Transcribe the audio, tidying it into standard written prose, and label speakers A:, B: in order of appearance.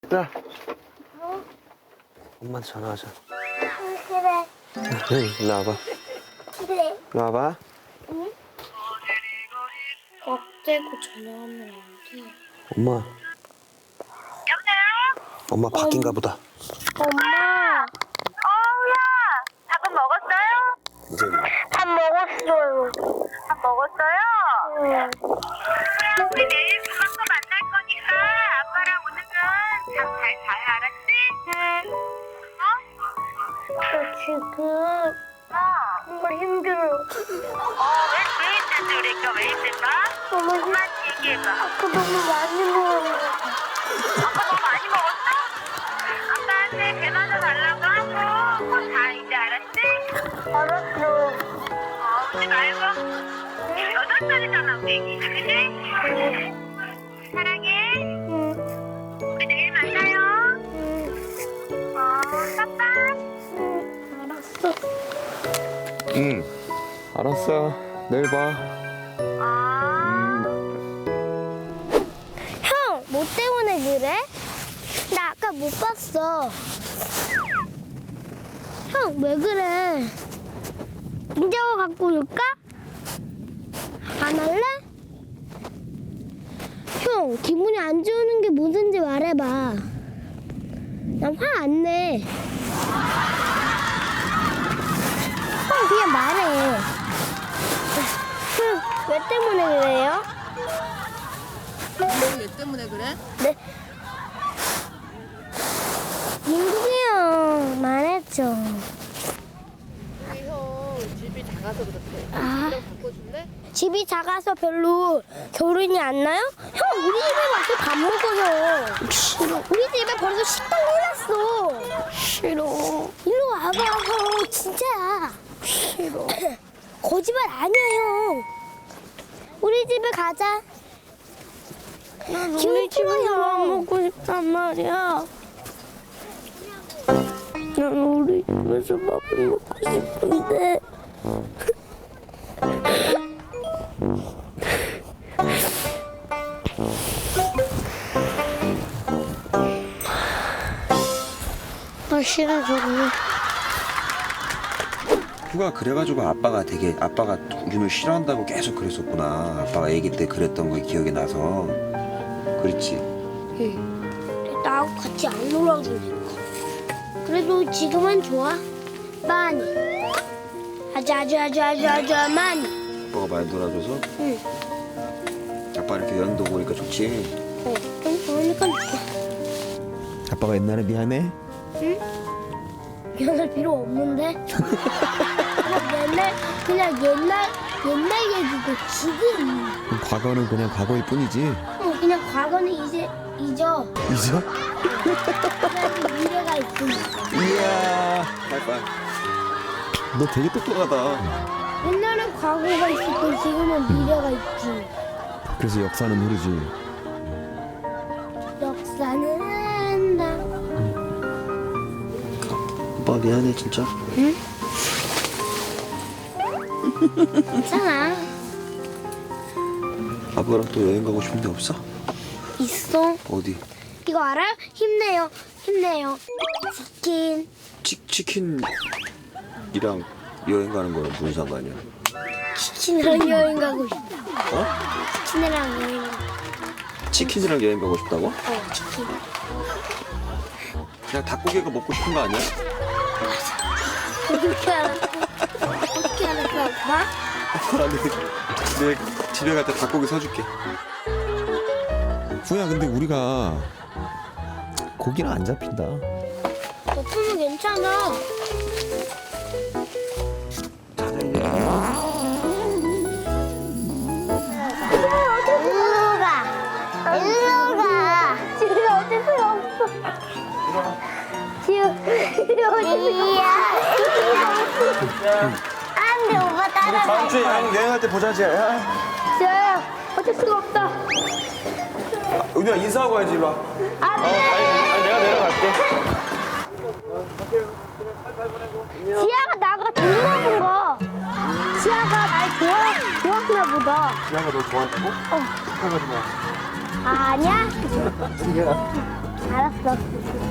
A: 야, 엄마한테 전화하자.
B: 그래.
A: 일로 와봐.
B: 그래.
A: 일로 와봐.
B: 응? 깍대고 전화하면 안 돼.
A: 엄마. 엄마 바뀐가 보다.
B: 엄마.
C: 어우야, 밥은 먹었어요?
A: 이제
B: 밥 먹었어요.
C: 밥 먹었어요?
B: 응.
C: 우리 내일 금방 또 만날 거니까 아빠랑 오늘은 잠 잘 자요, 알았지?
B: 저 지금
C: 어?
B: 정말 힘들어.
C: 왜 힘든지 우리 애가 왜 힘들까?
B: 너무 힘들어.
C: 엄마한테 얘기해봐.
B: 아까 너무 많이 먹었어.
C: 아빠 너무 많이 먹었어? 아빠한테 배 맞아 달라고 하고 곧 자 이제 알았지?
B: 알았어.
C: 울지 말고 8살이잖아 우리 애기 그치? 사랑해.
B: 응.
C: 우리 내일 만나요.
B: 응.
C: 빠빠.
B: 응. 알았어.
A: 응. 알았어. 내일 봐.
B: 형, 뭐 때문에 그래? 나 아까 못 봤어. 형, 왜 그래? 인자고 갖고 올까? 안 할래? 형, 기분이 안 좋은 게 뭐든지 말해봐. 난 화 안 내. 형, 그냥 말해. 형, 왜 때문에 그래요?
D: 왜 때문에 그래?
B: 네. 민국이 형 말했죠.
D: 우리 형 집이 작아서 그렇대.
B: 아.
D: 집이랑 바꿔줄래?
B: 집이 작아서 별로 겨울이 안 나요? 형, 우리 집에 와서 밥 먹어요. 싫어. 우리 집에 벌써 식당 해놨어. 싫어. 일로 와봐, 형. 진짜야. 싫어. 거짓말 아니야, 형. 우리 집에 가자. 난 우리 집에서 밥 먹고 싶단 말이야. 난 우리 집에서 밥을 먹고 싶은데. 아, 싫어, 저거.
A: 휴가 그래가지고 아빠가 윤을 싫어한다고 계속 그랬었구나. 아빠가 아기 때 그랬던 거 기억이 나서. 그렇지.
B: 나하고 같이 안 놀아주니까. 그래도 지금은 좋아. 많이. 아주 많이.
A: 아빠가 많이 놀아줘서.
B: 응.
A: 아빠 이렇게 여행도 보니까 좋지.
B: 좀 좋으니까 좋아.
A: 아빠가 옛날에 미안해.
B: 응? 미안할 필요 없는데. 그냥 옛날 얘기고 지금.
A: 과거는 그냥 과거일 뿐이지.
B: 그냥 과거는 이제 잊어.
A: 잊어?
B: 그래야지 미래가 있으니까.
A: 이야. 하이파이. 너 되게 똑똑하다.
B: 옛날엔 과거가 있었고 지금은 미래가 있지.
A: 그래서 역사는 모르지.
B: 역사는 한다.
A: 아빠 미안해 진짜.
B: 응? 괜찮아.
A: 아빠랑 또 여행 가고 싶은 데 없어?
B: 있어.
A: 어디?
B: 이거 알아요? 힘내요. 힘내요. 치킨.
A: 치킨이랑 여행 가는 거랑 무슨 상관이야?
B: 치킨이랑 여행 가고 싶다.
A: 어?
B: 치킨이랑 여행 가고
A: 치킨이랑 여행 가고 싶다고?
B: 치킨.
A: 그냥 닭고기가 먹고 싶은 거 아니야?
B: 어떻게 알았어? 어떻게 알았어, 오빠?
A: 아빠랑 내 집에 갈 때 닭고기 사줄게. 후야 근데 우리가 고기는 안 잡힌다.
B: 버프는 괜찮아. 일로 가. 집에 어쩔 수 없어. 집에 안돼, 오빠 따라가.
A: 다음 주에 여행할 때 보자지. 야.
B: 지아야, 어쩔 수가 없다.
A: 은우야 인사하고 가야지 일로 와.
B: 안돼.
A: 아니 내가 내려갈게.
B: 지아가 나가 좋아하는 거. 지아가 날 좋아하나 보다.
A: 지아가 너 좋아한다고?
B: 아니야? 알았어.